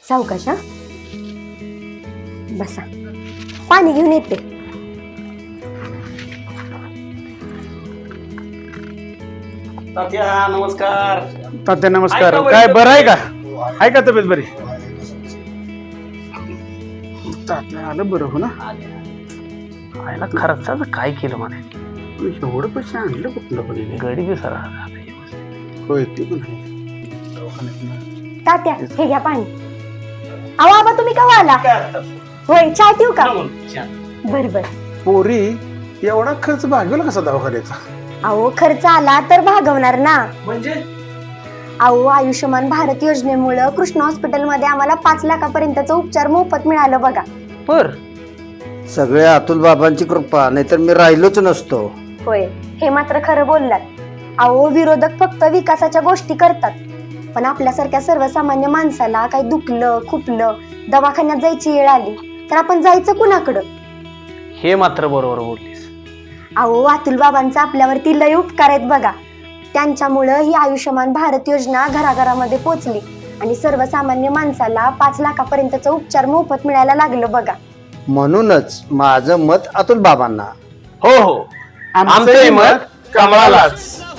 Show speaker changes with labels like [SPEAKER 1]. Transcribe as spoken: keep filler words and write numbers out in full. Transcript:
[SPEAKER 1] सावकाश हा बसा, पाणी घेऊन येते.
[SPEAKER 2] तात्या नमस्कार.
[SPEAKER 3] तात्या नमस्कार.
[SPEAKER 2] ऐका बरं.
[SPEAKER 3] काय बरं आहे का? आहे का तब्येत बरी? तात्या आलं बरं हो ना.
[SPEAKER 2] आयला खर्चाचं काय केलं म्हणे,
[SPEAKER 3] एवढं पैसे आणलं कुठलं पण हिने?
[SPEAKER 2] गरीबी सर.
[SPEAKER 3] होय ते पण आहे. दवाखान्यातनं.
[SPEAKER 1] तात्या हे घ्या पाणी. अहो आबा तुम्ही का आला? होय चहा ठेवू का? बर बर.
[SPEAKER 3] पोरी एवढा खर्च भागवला कसा दवाखान्याचा?
[SPEAKER 1] अहो खर्च आला तर भागवणार ना.
[SPEAKER 2] म्हणजे
[SPEAKER 1] अहो आयुष्यमान भारत योजनेमुळे कृष्ण हॉस्पिटल मध्ये आम्हाला पाच लाखापर्यंतचा उपचार मोफत मिळालं बघा.
[SPEAKER 2] बर
[SPEAKER 4] सगळे अतुल बाबांची कृपा, नाहीतर मी राहिलोच नसतो.
[SPEAKER 1] होय हे मात्र खरं बोललात. अहो विरोधक फक्त विकासाच्या गोष्टी करतात, पण आपल्यासारख्या सर्वसामान्य माणसाला काही दुखलं खुपलं दवाखान्यात जायची वेळ आली तर आपण जायचं कुणाकडं?
[SPEAKER 2] हे मात्र बरोबर बोललीस.
[SPEAKER 1] अहो अतुल बाबांचा आपल्यावरती लय उपकार आहेत बघा. त्यांच्यामुळं ही आयुष्यमान भारत योजना घराघरामध्ये पोहोचली आणि सर्वसामान्य माणसाला पाच लाखापर्यंतचा उपचार मोफत मिळायला लागलं बघा.
[SPEAKER 4] म्हणूनच माझं मत अतुल बाबांना.
[SPEAKER 2] हो हो, आमचंही मत कमळालाच.